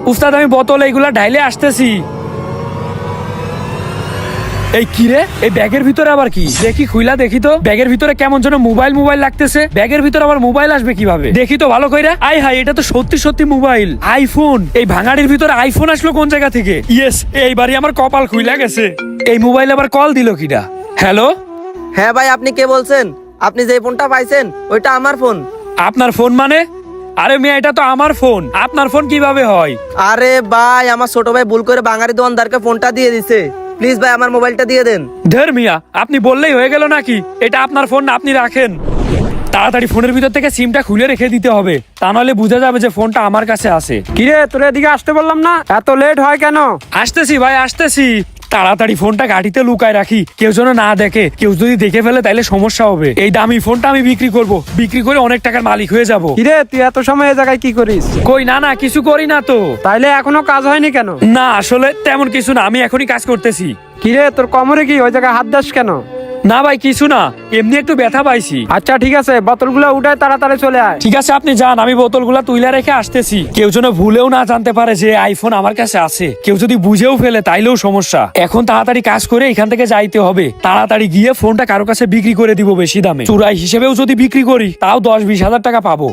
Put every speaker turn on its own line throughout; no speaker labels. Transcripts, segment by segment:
উস্তাদ আমি বোতল এইগুলা ঢাইলে আসতেছি। এই কি রে, এই ব্যাগের ভিতরে আবার কি? দেখি খুইলা দেখি তো, ব্যাগের ভিতরে কেমন যেন মোবাইল মোবাইল লাগতেছে। ব্যাগের ভিতরে আবার মোবাইল আসবে কিভাবে? দেখি তো ভালো কইরা। আই হাই, এটা তো সত্যি সত্যি মোবাইল, আইফোন। এই ভাঙাড়ির ভিতরে আইফোন আসলো কোন জায়গা থেকে? ইয়েস, এইবারই আমার কপাল খুইলা গেছে। এই মোবাইল আবার কল দিল কিডা? হ্যালো,
হ্যাঁ ভাই, আপনি কে বলছেন? আপনি যে ফোনটা পাইছেন ওইটা আমার ফোন।
আপনার ফোন মানে? আরে মিয়া, এটা তো আমার ফোন, আপনার ফোন কিভাবে হয়?
আরে ভাই, আমার ছোট ভাই ভুল করে বাঙালি দোকানদারকে ফোনটা দিয়ে দিছে। প্লিজ ভাই, আমার মোবাইলটা দিয়ে দেন।
ধের মিয়া, আপনি বললেই হয়ে গেল নাকি? এটা আপনার ফোন না, আপনি রাখেন। তাড়াতাড়ি ফোনের ভিতর থেকে সিমটা খুলে রেখে দিতে হবে, তা নাহলে বোঝা যাবে যে ফোনটা আমার কাছে আছে।
কিরে, তোর এদিকে আসতে বললাম না, এত লেট হয় কেন?
আসতেছি ভাই, আসতেছি। তাড়াতাড়ি ফোনটা গাড়িতে লুকায় রাখি, কেউ যেন না দেখে। কেউ যদি দেখে ফেলে তাইলে সমস্যা হবে। এই দামি ফোনটা আমি বিক্রি করব, বিক্রি করে অনেক টাকার মালিক হয়ে যাব।
কিরে, তুই এত সময় এই জায়গায় কি করিস?
কই না না, কিছু করি না তো।
তাইলে এখনো কাজ হয়নি কেন?
না আসলে তেমন কিছু না, আমি এখনই কাজ করতেছি।
কিরে, তোর কোমরে কি ওই জায়গায় হাত দাস কেন?
না ভাই কিছু না, এমনি একটু ব্যথা পাইছি।
আচ্ছা ঠিক আছে, বোতলগুলো উঠায় তাড়াতাড়ি চলে আয়।
ঠিক আছে আপনি যান, আমি বোতলগুলা তুইলা রেখে আসতেছি। কেউ যেন ভুলেও না জানতে পারে যে আইফোন আমার কাছে আছে। কেউ যদি বুঝেও ফেলে তাইলেও সমস্যা। এখন তাড়াতাড়ি কাজ করে এখান থেকে যাইতে হবে। তাড়াতাড়ি গিয়ে ফোনটা কারো কাছে বিক্রি করে দিব বেশি দামে। চুরাই হিসেবেও যদি বিক্রি করি তাও 10-20 হাজার টাকা পাবো।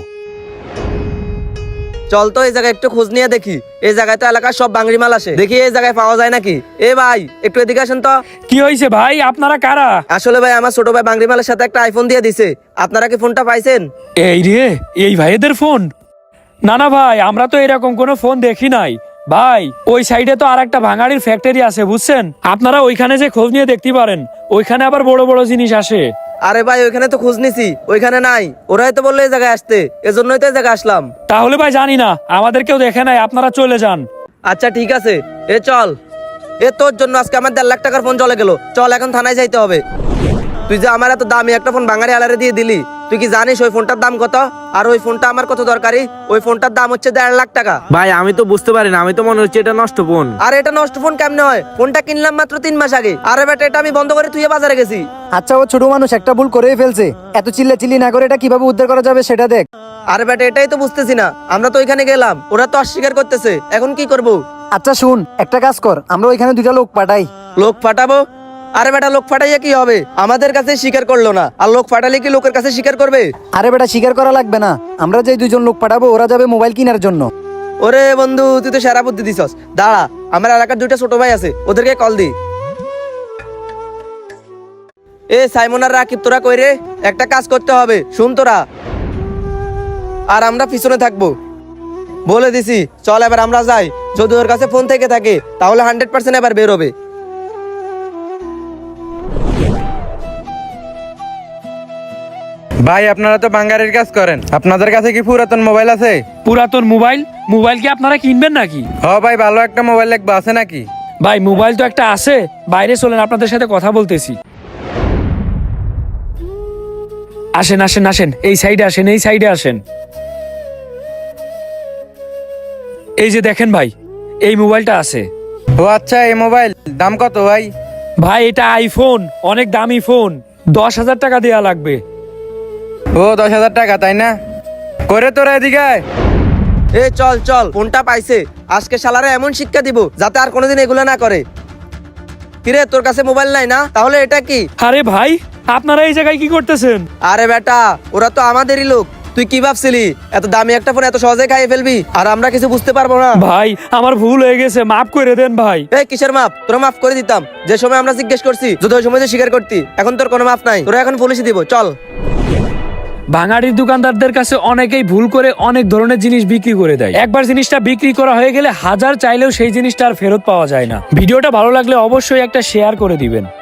চল তো এই জায়গায় একটু খোঁজ নিয়ে দেখি। এই জায়গায় তো এলাকার সব বাঙালি মাল আসে, দেখি এই জায়গায় পাওয়া যায় নাকি। এ ভাই, একটু এদিকে আসেন তো।
কি হয়েছে ভাই, আপনারা কারা?
আসলে ভাই, আমার ছোট ভাই বাঙালি মালের সাথে একটা আইফোন দিয়ে দিছে। আপনারা কি ফোনটা পাইছেন?
এই রে, এই ভাইদের ফোন? না না ভাই, আমরা তো এরকম কোনো ফোন দেখি নাই ভাই। ওই সাইডে তো আর একটা ভাঙাড়ির ফ্যাক্টরি আছে বুঝছেন, আপনারা ওইখানে যে খোঁজ নিয়ে দেখতে পারেন। ওইখানে আবার বড় বড় জিনিস আসে।
আরে ভাই, ওইখানে তো খোঁজ নিছি, ওইখানে নাই। ওরাই তো বললো এই জায়গায় আসতে, এজন্যই তো এই জায়গায় আসলাম।
তাহলে ভাই জানি না, আমাদের কেউ দেখে নাই, আপনারা চলে যান।
আচ্ছা ঠিক আছে, এ চল। এ তোর জন্য আজকে আমার 1.5 লাখ টাকার ফোন চলে গেল। চল এখন থানায় যাইতে হবে। তুই যে আমার এত দামি একটা ফোন বাঙালি আলারে দিয়ে দিলি, তুই কি জানিস ওই ফোনটার দাম কত? আর ওই ফোনটা আমার কত দরকারি? ওই ফোনটার দাম হচ্ছে 1.5 লাখ টাকা।
ভাই আমি তো বুঝতে পারি না, আমি তো মনে হচ্ছে এটা নষ্ট ফোন।
আর এটা নষ্ট ফোন কেমনে হয়? ফোনটা কিনলাম মাত্র 3 মাস আগে। আরে বেটা, এটা আমি বন্ধ করে তুই বাজারে গেছি।
আচ্ছা, ও ছোট মানুষ, একটা ভুল করেই ফেলছে। এত চিল্লাচিল্লি না করে এটা কিভাবে উদ্ধার করা যাবে সেটা দেখ।
আরে বেটা, এটাই তো বুঝতেছি না। আমরা তো ওইখানে গেলাম, ওরা তো অস্বীকার করতেছে। এখন কি করব?
আচ্ছা শুন, একটা কাজ কর, আমরা ওইখানে 2টা লোক পাঠাই।
লোক পাঠাবো? আরে বেটা, লোক পাঠাইয়া কি হবে? আমাদের কাছে স্বীকার করলো না, আর লোক পাঠালে কি লোকের কাছে স্বীকার করবে?
আরে বেটা, স্বীকার করা লাগবে না। আমরা যে 2জন লোক পাঠাবো, ওরা যাবে মোবাইল কেনার জন্য।
ওরে বন্ধু, তুই তো সেরা বুদ্ধি দিছস। দাঁড়া, আমার এলাকার 2টা ছোট ভাই আছে, ওদেরকে কল দি। এ সাইমন আর রাকিব, তোরা কই রে? একটা কাজ করতে হবে, শুন তোরা। আর আমরা পিছনে থাকবো, বলে দিছি। চল এবার আমরা যাই। যদি ওর কাছে ফোন থেকে থাকে তাহলে 100% এবার বের হবে।
ভাই আপনারা তো বাঙ্গারির কাজ করেন, আপনাদের কাছে কি পুরাতন মোবাইল আছে?
পুরাতন মোবাইল? মোবাইল কি আপনারা কিনবেন নাকি?
ভাই ভালো একটা মোবাইল লাগবে, আছে নাকি?
ভাই মোবাইল তো একটা আছে, বাইরে চলেন, আপনাদের সাথে কথা বলতেছি। আসেন আসেন আসেন, এই সাইডে আসেন, এই সাইডে আসেন। এই যে দেখেন ভাই, এই মোবাইলটা আছে।
ও আচ্ছা, এই মোবাইল দাম কত ভাই?
ভাই এটা আইফোন, অনেক দামি ফোন, 10,000 টাকা দেয়া লাগবে।
ও 10,000 টাকা, তাই না? করে তোরা এদিকে আয়।
এ চল চল, ফোনটা পাইছে। আজকে শালারে এমন শিক্ষা দিব যাতে আর কোনোদিন এগুলো না করে। কিরে, তোর কাছে মোবাইল নাই না? তাহলে এটা কি?
আরে ভাই, আপনারা এই জায়গায় কি করতেছেন?
আরে বেটা, ওরা তো আমাদেরই লোক। তুই কি ভাবছিলি এত দামি একটা ফোন এত সহজে খাইয়ে ফেলবি আর আমরা কিছু বুঝতে পারবো না?
ভাই আমার ভুল হয়ে গেছে, মাফ করে দেন ভাই।
এই কিসের মাপ? তোরা মাফ করে দিতাম যে সময় আমরা জিজ্ঞেস করছি, যদি ওই সময় যে স্বীকার করতি। এখন তোর কোনো মাফ নাই, তোরা এখন পুলিশে দিব। চল।
ভাঙাড়ির দোকানদারদের কাছে অনেকেই ভুল করে অনেক ধরনের জিনিস বিক্রি করে দেয়। একবার জিনিসটা বিক্রি করা হয়ে গেলে হাজার চাইলেও সেই জিনিসটা আর ফেরত পাওয়া যায় না। ভিডিওটা ভালো লাগলে অবশ্যই একটা শেয়ার করে দিবেন।